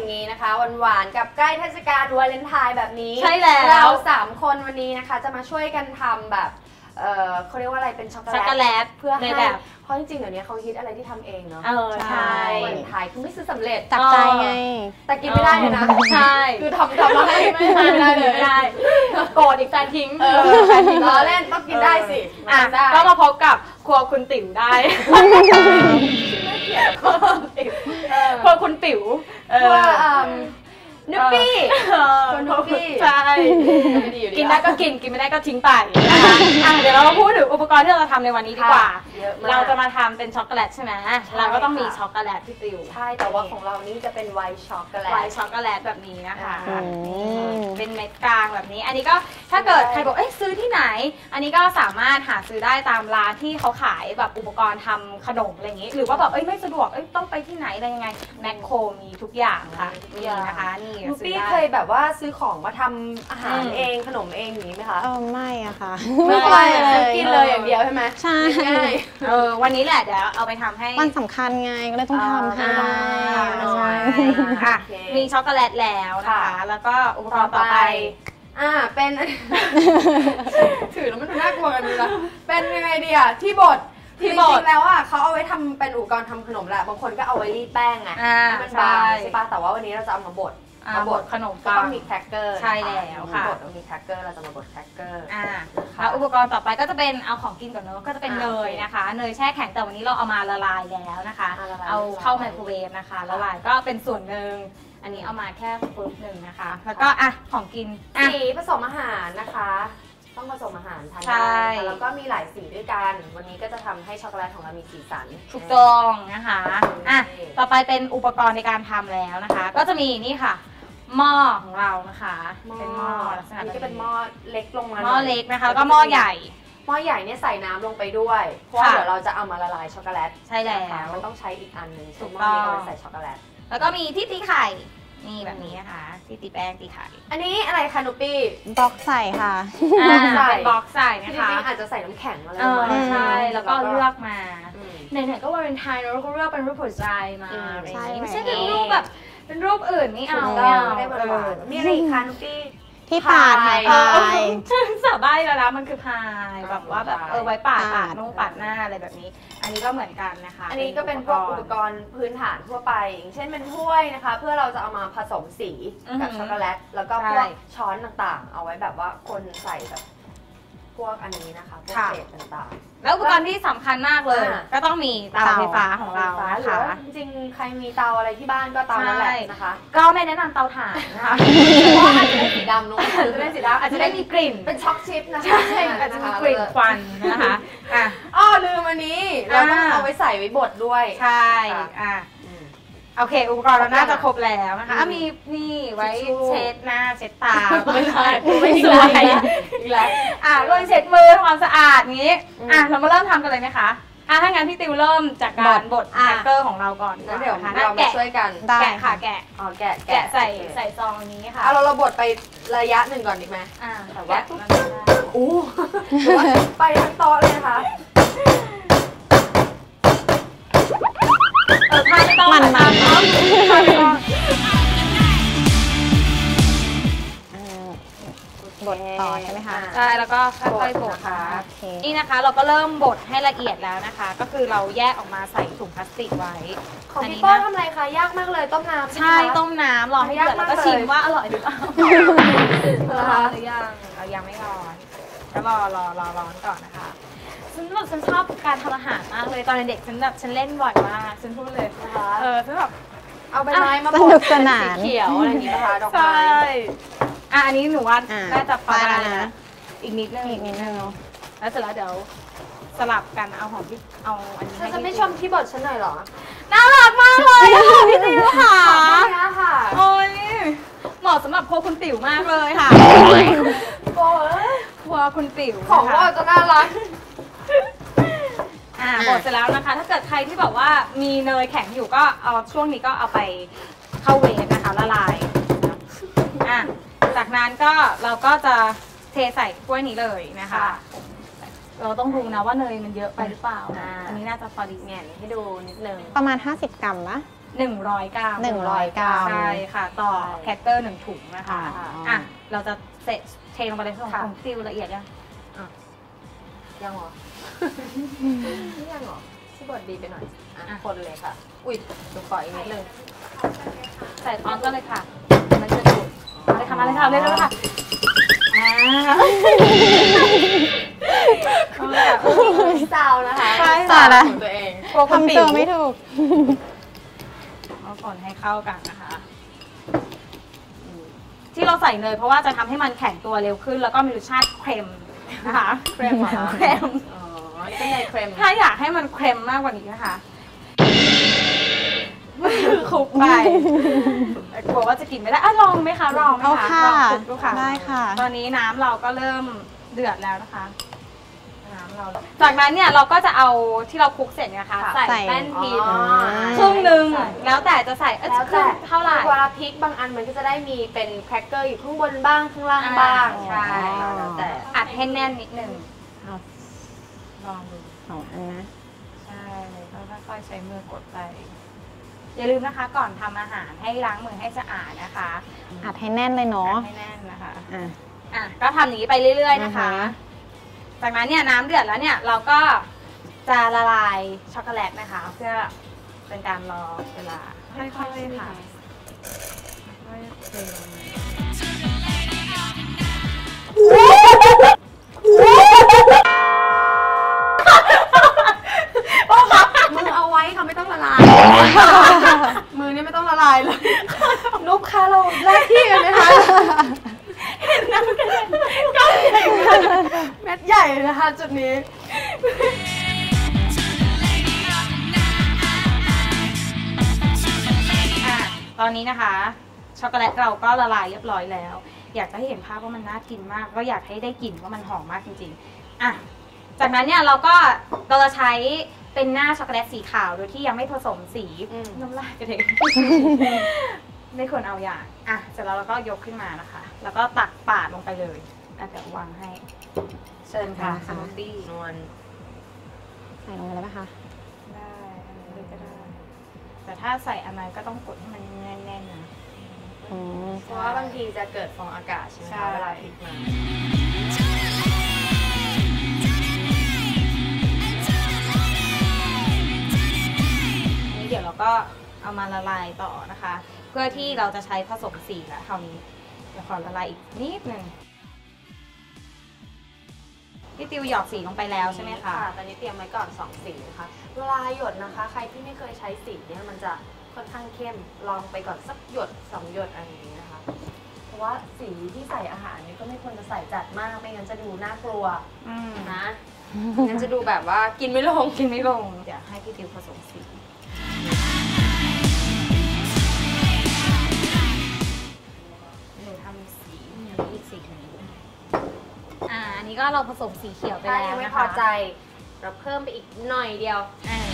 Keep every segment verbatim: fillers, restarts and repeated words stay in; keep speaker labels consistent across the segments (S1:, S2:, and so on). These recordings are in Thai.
S1: อย่างนี้นะคะหวานๆกับใกล้เทศกาลวาเลนไทน์แบบนี้
S2: ใช่แล้ว
S1: เราสามคนวันนี้นะคะจะมาช่วยกันทำแบบเออเขาเรียกว่าอะไรเป็นช็อกโกแลตเพื่อให้แบบเพราะจริงๆเดี๋ยวนี้เขาคิดอะไรที่ทำเองเนาะ
S2: เออใช่
S1: วาเลนไทน์คือไม่ซื้อสำเร็จ
S3: จับใจไง
S1: แต่กินไม่ได้เลยนะ
S2: ใช่
S1: คือทำทำมาให้ไม่ได้เลย
S2: ไม่ได้โกรธอีกแฟนทิ้ง
S1: เออแฟนทิ้งล้อเล่นต้องกินได้สิ
S2: อ่ะก็มาพบกับครัวคุณติ๋วได้ครัวคุณติ๋ว
S1: ครัวนุ๊ปปี้คนนุ๊ปปี้
S2: ใช่กินได้ก็กินกินไม่ได้ก็ทิ้งไปนะคะเดี๋ยวเรามาพูดถึงอุปกรณ์ที่เราจะทำในวันนี้ดีกว่าเราจะมาทำเป็นช็อกโกแลตใช่ไหมเราก็ต้องมีช็อกโกแลตที่ติว
S1: ใช่แต่ว่าของเรานี่จะเป็นไวท์ช็อกโกแลต
S2: ไวท์ช็อกโกแลตแบบนี้นะคะเป็นเม็ดกลางแบบนี้อันนี้ก็ถ้าเกิดใครบอกเอ้ยซื้อที่ไหนอันนี้ก็สามารถหาซื้อได้ตามร้านที่เขาขายแบบอุปกรณ์ทำขนมอะไรอย่างนี้หรือว่าแบบเอ้ยไม่สะดวกเอ้ยต้องไปที่ไหนอะไรยังไงแมคโครมีทุกอย่างค่ะนี่นะคะนี่
S1: นุ๊ปปี้เคยแบบว่าซื้อของมาทำอาหารเองขนมเองอย่างนี้ไหมคะ
S3: เออไม่อะค่ะ
S1: ไม่เคยเลยกินเลยอย่างเดียวใช่ไหม
S3: ใช่
S2: เออวันนี้แหละเดี๋ยวเอาไปทำให้
S3: วันสำคัญไงก็เลยต้องทำให้
S2: ใช่ค่ะมีช็อกโกแลตแล้วนะคะแล้วก็อุปกรณ์ต่อไป
S1: อ่าเป็นถือแล้วมันดูน่ากลัวกันดูนะเป็นยังไงดีอ่ะที่บดจริงๆแล้วอ่ะเขาเอาไว้ทำเป็นอุปกรณ์ทำขนมแหละบางคนก็เอาไว้รีดแป้งไงให้มันบางใช่ปะแต่ว่าวันนี้เราจะเอามาบด
S2: มาบดขนมปัง
S1: ต้องมีแครกเกอร์
S2: ใช่แล้วค่ะ
S1: บดต้องมีแครกเกอร์เราจะมาบดแครกเกอร์
S2: อ่าแล้วอุปกรณ์ต่อไปก็จะเป็นเอาของกินก่อนเนอะก็จะเป็นเนยนะคะเนยแช่แข็งแต่วันนี้เราเอามาละลายแล้วนะคะเอาเข้าไมโครเวฟนะคะละลายก็เป็นส่วนหนึ่งอันนี้เอามาแค่ปุ๊บหนึ่งนะคะแล้วก็อ่ะของกิน
S1: สีผสมอาหารนะคะต้องผสมอาหารทานได้แล้วก็มีหลายสีด้วยกันวันนี้ก็จะทำให้ช็อกโกแลตของเรามีสีสัน
S2: ถูกต้องนะคะอ่ะต่อไปเป็นอุปกรณ์ในการทำแล้วนะคะก็จะมีนี่ค่ะหม้อของเรานะคะเป็นหม้อลักษณะ
S1: นี้ก็เป็นหม้อเล็กลงมา
S2: หม้อเล็กนะคะแล้วก็หม้อใหญ่
S1: หม้อใหญ่เนี่ยใส่น้ำลงไปด้วยเพราะเดี๋ยวเราจะเอามาละลายช็อกโกแลต
S2: ใช่แล้ว
S1: มันต้องใช้อีกอันหนึ่ง
S2: ถูกต้อง
S1: ใส่ช็อกโกแลต
S2: แล้วก็มีที่ตีไข่นี่แบบนี้นะคะที่ตีแป้งตีไข่
S1: อันนี้อะไรคะนุ๊ปปี้
S3: บล็อกใส่ค่ะ
S2: เป็นบล็อกใส่นะคะ
S1: อาจจะใส่น้ำแข็งอะไร
S2: ใช่แล้วก็เลือกมาไหนๆก็วาเลนไทน์เราก็เลือกเป็นรูปหัวใจมาไม่ใช่เป็นรูปแบบเป็นรูปอื่นไม่เอา
S1: ไม่เอาไม่ได้มีอะไรคะนุ๊ปปี้
S3: ที่ปาดพาย
S2: สาบายแล้วนะมันคือพายแบบว่าแบบเออไว้ปาดปาดนุ่งปาดหน้าอะไรแบบนี้อันนี้ก็เหมือนกันนะคะ
S1: อันนี้ก็เป็นพวกอุปกรณ์พื้นฐานทั่วไปอย่างเช่นเป็นถ้วยนะคะเพื่อเราจะเอามาผสมสีกับช็อกโกแลตแล้วก็พวกช้อนต่างๆเอาไว้แบบว่าคนใส่แบบพวกอันนี้นะคะพวกเศษต่างๆ
S2: แล้วอุปกรณ์ที่สำคัญมากเลยก็ต้องมีเตาไฟฟ้าของเรานะคะ
S1: จริงๆใครมีเตาอะไรที่บ้านก็เตานั่นแหละนะคะ
S2: ก็ไม่แนะนำเตาถ่านนะคะ
S1: เพราะอาจจะได้สีดำลงอาจจะได้สีดำ
S2: อาจจะได้มีกลิ่น
S1: เป็นช็อกชิพนะคะ
S2: ใช่อาจจะมีกลิ่นควันนะคะ
S1: อ่ะอ้อลืมอันนี้เราต้องเอาไว้ใส่ไว้บดด้วย
S2: ใช่อ่ะโอเคอุปกรณ์เราน่าจะครบแล้วนะคะมีนี่ไว้เช็ดหน้าเช็ดตา
S1: ไม่ใช่ไม่สวยอีกแล้ว
S2: อ่ะรวมเช็ดมือทำความสะอาดนี้อ่ะเรามาเริ่มทำกันเลยไหมคะอ่ะถ้างั้นพี่ติวเริ่มจากการบดแครกเกอร์ของเราก่อน
S1: แล้วเดี๋ยวเรามาช่วยกัน
S2: แกะค่ะแกะ
S1: อ๋อแกะ
S2: แกะใส่ใส่ซองนี้ค่ะ
S1: เอาเราเราบดไประยะหนึ่งก่อนดีไหม
S2: อ่าแต่ว่า
S1: อู้ไปทั้งโต๊ะเลยนะคะ
S2: เออพายไม่ต้อง
S3: มันมันบดต่อใช่ไหมคะ
S2: ใช่แล้วก็ค่อยๆบดค่ะนี่นะคะเราก็เริ่มบดให้ละเอียดแล้วนะคะก็คือเราแยกออกมาใส่ถุงพลาสติกไว้
S1: ของพี่โป้ทำอะไรคะยากมากเลยต้มน้ำ
S2: ใช่ต้มน้ำรอให้เดือดแล้วก็ชิมว่าอร่อยหรือเปล่าร้อนหรือยังเรายังไม่ร้อนก็รอรอรอร้อนก่อนนะคะฉันแบบฉันชอบการทำอาหารมากเลยตอนเด็กฉันแบบฉันเล่นบ่อยมากฉันพูดเลยนะคะเออฉันแบบ
S1: เอาใบไม้มาบดสีเขียวอะไรอย่างนี้นะคะดอกไม้
S2: อ่ะอันนี้หนูว่าน่าจะพอได้นะอีกนิดนึงอีกนิดนึงแล้วเสร็จแล้วเดี๋ยวสลับกันเอาของพี่เอาอันนี้
S1: ฉันจะไม่ชมที่บดฉันหน่อยหรอ
S2: น่ารักมากเลยค่ะพี่ติ๋วค่ะ
S1: ค่ะ
S2: โอ้ยเหมาะสำหรับครัวคุณติ๋วมากเลยค่ะ
S1: โอ้
S2: ยครัวคุณติ๋ว
S1: ของว่าจะน่ารัก
S2: อ่าบดเสร็จแล้วนะคะถ้าเกิดใครที่แบบว่ามีเนยแข็งอยู่ก็เอาช่วงนี้ก็เอาไปเข้าเวฟนะคะละลายอ่ะจากนั้นก็เราก็จะเทใส่ถ้วยนี้เลยนะคะเราต้องดูนะว่าเนยมันเยอะไปหรือเปล่านะอันนี้น่าจะพอดีแง่ให้ดูนิดนึง
S3: ประมาณห้าสิบกรัมนะ
S2: หนึ่งร้อยกรัม
S3: หนึ่งร้อยกรัม
S2: ใช่ค่ะต่อแคคเกอร์หนึ่งถุงนะคะอ่ะเราจะเสร็จเทลงไปเลยของของติวละเอียดยัง
S1: ยังหรอนี่ยังหรอที่บดดีไปหน่อยอ่ะคนเลยค่ะอุ้ยดูขออีกนิดนึง
S2: ใส่พร้อมกันเลยค่ะมันจะดูดเลยค่ะมาเลยค่ะเร็วๆค่ะอ่า
S1: ซาวนะคะ
S3: ซาวนะ
S1: ตัวเอง
S3: ทำตัวไม่ถูก
S2: เอาคนให้เข้ากันนะคะที่เราใส่เนยเพราะว่าจะทำให้มันแข็งตัวเร็วขึ้นแล้วก็มีรสชาติเค็มนะคะ
S1: เค็มเหรอ
S2: เค็ม
S1: อ๋อนี่เป็นเนยเค็ม
S2: ถ้าอยากให้มันเค็มมากกว่านี้นะคะคลุกไปกลัวว่าจะกินไม่ได้อ่ะลองไหมคะลองไหมคะลองคลุกดูค่ะ
S3: ได้ค่ะ
S2: ตอนนี้น้ำเราก็เริ่มเดือดแล้วนะคะน้ำเราจากนั้นเนี่ยเราก็จะเอาที่เราคลุกเสร็จนะคะใส่แป้นพริกครึ่งหนึ่งแล้วแต่จะใส่
S1: แล้วแต่
S2: เท่าไหร่
S1: เวลาพริกบางอันมันก็จะได้มีเป็นแครกเกอร์อยู่ข้างบนบ้างข้างล่างบ้าง
S2: ใช่แล้วแต่อัดให้แน่นนิดนึงลองดู
S3: สองอันนะ
S2: ใช่แล้วค่อยๆใช้มือกดไปอย่าลืมนะคะก่อนทำอาหารให้ล้างมือให้สะอาดนะคะ
S3: อัดให้แน่นเลยเนาะ
S2: อัดให้แน่นนะคะอ่ะอ่ะก็ทำอย่างนี้ไปเรื่อยๆนะคะจากนั้นเนี่ยน้ำเดือดแล้วเนี่ยเราก็จะละลายช็อกโกแลตนะคะเพื่อเป็นการรอเวลาค่อยๆค่ะค่อยๆเทลง
S1: มือเอาไว้ค่ะไม่ต้องละลายมือนี่ไม่ต้องละลายเลยนุ๊กคะเราแลกที่กันไหมคะเห็นน้ำกันก้อนใหญ่เม็ดใหญ่นะคะจุดนี้
S2: ตอนนี้นะคะช็อกโกแลตเราก็ละลายเรียบร้อยแล้วอยากจะให้เห็นภาพว่ามันน่ากินมากก็อยากให้ได้กลิ่นว่ามันหอมมากจริงๆอ่ะจากนั้นเนี่ยเราก็เราจะใช้เป็นหน้าช็อกโกแลตสีขาวโดยที่ยังไม่ผสมสีน้ำลายกระเด็นไม่ควรเอาอย่างอ่ะเสร็จแล้วเราก็ยกขึ้นมานะคะแล้วก็ตักปาดลงไปเลยแล้วเดี๋ยววางให้เชิญค่ะสมูทตี้
S1: นวล
S3: ใส่ลงไปเลยไหมคะ
S2: ได้อะไรก็ได้แต่ถ้าใส่อะไรก็ต้องกดให้มันแน่นๆนะ
S1: เพราะว่าบางทีจะเกิดฟองอากาศใช่ไหมคะเวลาพลิกมา
S2: เดี๋ยวเราก็เอามาละลายต่อนะคะเพื่อที่เราจะใช้ผสมสีแล้วคราวนี้เดี๋ยวขอละลายอีกนิดนึงพี่ติวหยอดสีลงไปแล้วใช่ไหมคะ
S1: ตอนนี้เตรียมไว้ก่อนสองสีนะคะเวลาหยดนะคะใครที่ไม่เคยใช้สีเนี่ยมันจะค่อนข้างเข้มลองไปก่อนสักหยดสองหยดอะไรอย่างนี้นะคะเพราะว่าสีที่ใส่อาหารนี่ก็ไม่ควรจะใส่จัดมากไม่งั้นจะดูน่ากลัวนะงั้นจะดูแบบว่ากินไม่ลง
S2: กินไม่ลงเดี๋ยวให้พี่ติวผสมสีหนูทำสีอีกสีหนึ่งอ่าอันนี้ก็เราผสมสีเขียวไปแล้วนะคะ
S1: ไม่พอใจเราเพิ่มไปอีกหน่อยเดียว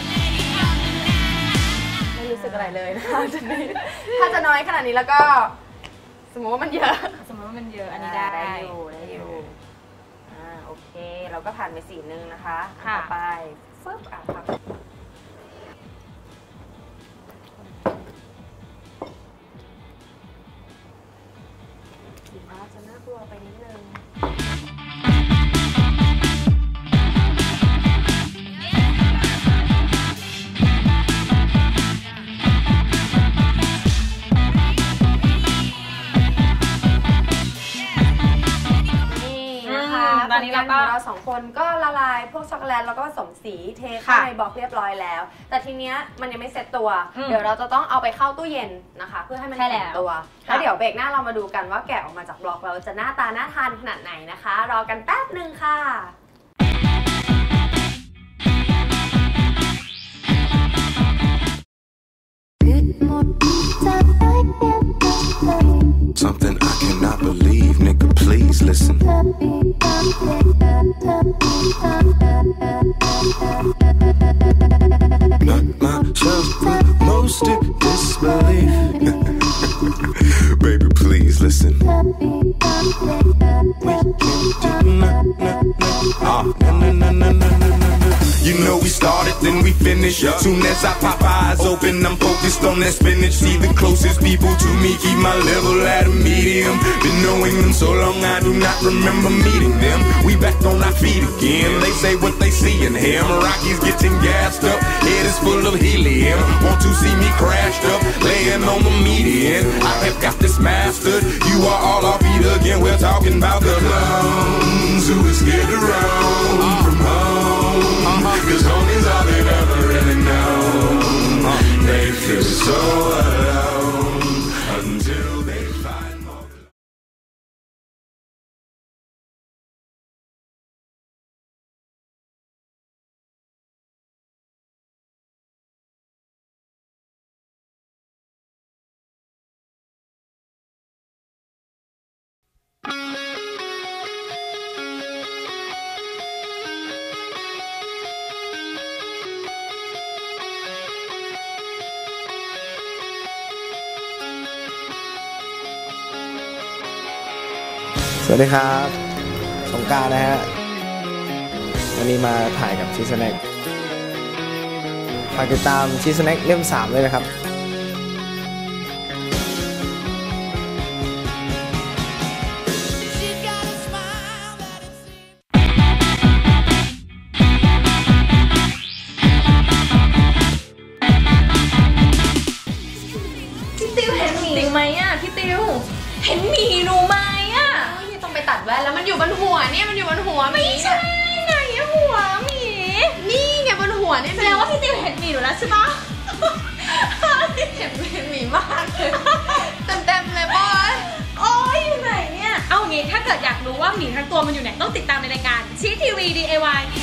S1: ไม่รู้สึกอะไรเลยนะคะถ้าจะน้อยขนาดนี้แล้วก็สมมติว่ามันเยอะ
S2: สมมติว่ามันเยอะอันนี้ได้
S1: ได้อยู่ได้อยู่อ่าโอเคเราก็ผ่านไปสีนึงนะคะต่อไปฟึ๊บอ่ะครับสีฟ้าจะน่ากลัวไปนิดนึงตอนนี้เราก็เราสองคนก็ละลายพวกช็อกโกแลตแล้วก็ผสมสีเทเข้าในบล็อกเรียบร้อยแล้วแต่ทีเนี้ยมันยังไม่เซ็ตตัวเดี๋ยวเราจะต้องเอาไปเข้าตู้เย็นนะคะเพื่อให้มันแข็งตัวแล้วเดี๋ยวเบรกหน้าเรามาดูกันว่าแกะออกมาจากบล็อกแล้วจะหน้าตาน่าทานขนาดไหนนะคะรอกันแป๊บนึงค่ะ
S4: Something I cannot believe, nigga, please listen. Not myself, but most in disbelief. Baby, please listen. We can do na na na ah na na na na na na na. You know we started then we finish. Soon as I pop eyes open, I'm focused on that spinach. See the closest people to me, keep my level at a medium. Been knowing them so long, I do not remember meeting them. We back on our feet again. They say what they see in him. Rocky's getting gassed up, head is full of helium. Want to see me crashed up, laying on the median. I have got this mastered. You are all off beat again. We're talking about the clones who is scared to roam from home. Cause home is all they've ever really known. They feel so alone until they find more.
S5: สวัสดีครับสงกรานต์นะฮะวันนี้มาถ่ายกับชีสแน็คฝากติดตามชีสแน็คเล่มสามเลยนะครับ
S1: พี่ติวเห็นหมีไหมอ่ะพี่ติวเห็นหมีหนูไหมอ่ะต้องไปตัดแว่นแล้วมันอยู่บนหัวเนี่ยมันอยู่บนหัวหมีไม่ใช่ไหนหัวหมีนี่ไงบนหัวนี่แสดงว่าพี่ติวเห็นหมีหนูแล้วใช่ปะเห็นหมีมากเลยเต็มๆเลยบอยโอ้ยอยู่ไหนเนี่ยเอางี้ถ้าเกิดอยากรู้ว่าหมีทั้งตัวมันอยู่ไหนต้องติดตามในรายการชีทีวี ดี ไอ วาย